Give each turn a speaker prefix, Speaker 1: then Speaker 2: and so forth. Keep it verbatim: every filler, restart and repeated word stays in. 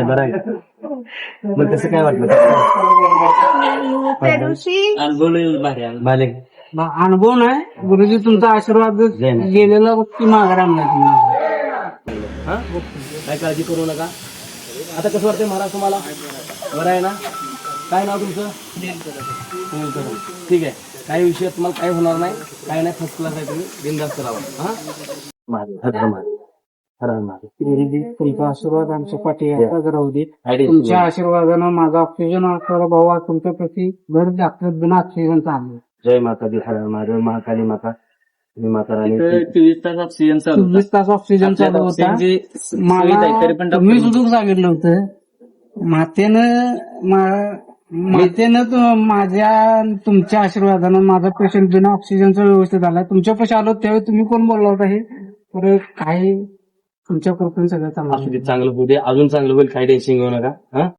Speaker 1: आहे बरं आहे का? मग कसं काय वाटलं?
Speaker 2: त्या दिवशी
Speaker 1: मालिक
Speaker 3: अनुभव नाही गुरुजी तुमचा आशीर्वाद गेलेला गोष्टी माघार आणला तुम्ही.
Speaker 1: हा काय काळजी करू नका. आता कसं वाटतंय महाराज तुम्हाला? बरं आहे ना? काय नाव तुमचं? सुनील कदम. ठीक आहे. काही विषय तुम्हाला काही होणार नाही, काही नाही. फर्स्ट क्लास आहे, तुम्ही बिनधास्त राहा. हा मारे हर मारे हर मारे.
Speaker 3: तुमचा आशीर्वाद आमच्या पाठी आताच राहू दे. तुमच्या आशीर्वादानं माझा ऑक्सिजन असलेला भाऊ आज तुमच्या प्रति घर दाखवत बिना ऑक्सिजन चालू.
Speaker 1: जय माता दी. हर मारे महाकाली माता. माता राणी.
Speaker 4: चोवीस तास ऑक्सिजन चालू होता.
Speaker 3: चोवीस तास ऑक्सिजन चालू होता.
Speaker 4: ऑक्सिजनची सुविधा आहे,
Speaker 3: मला
Speaker 4: तरी पण
Speaker 3: तुम्ही
Speaker 4: डॉक्टर
Speaker 3: सुद्धा सांगितलं होतं मातेनं मा- मातेनं तो- माझ्या तुमच्या आशीर्वादानं माझा पेशंट बिना ऑक्सिजनचा व्यवस्थित आला. तुमच्या पैसे आलो त्यावेळी तुम्ही कोण बोलला होता हे तर काही तुमच्या कृपेने सगळं चांगलं
Speaker 1: असू दे, चांगलं होऊ दे, अजून चांगलं होईल. काही टेन्शन घेऊ नका. हा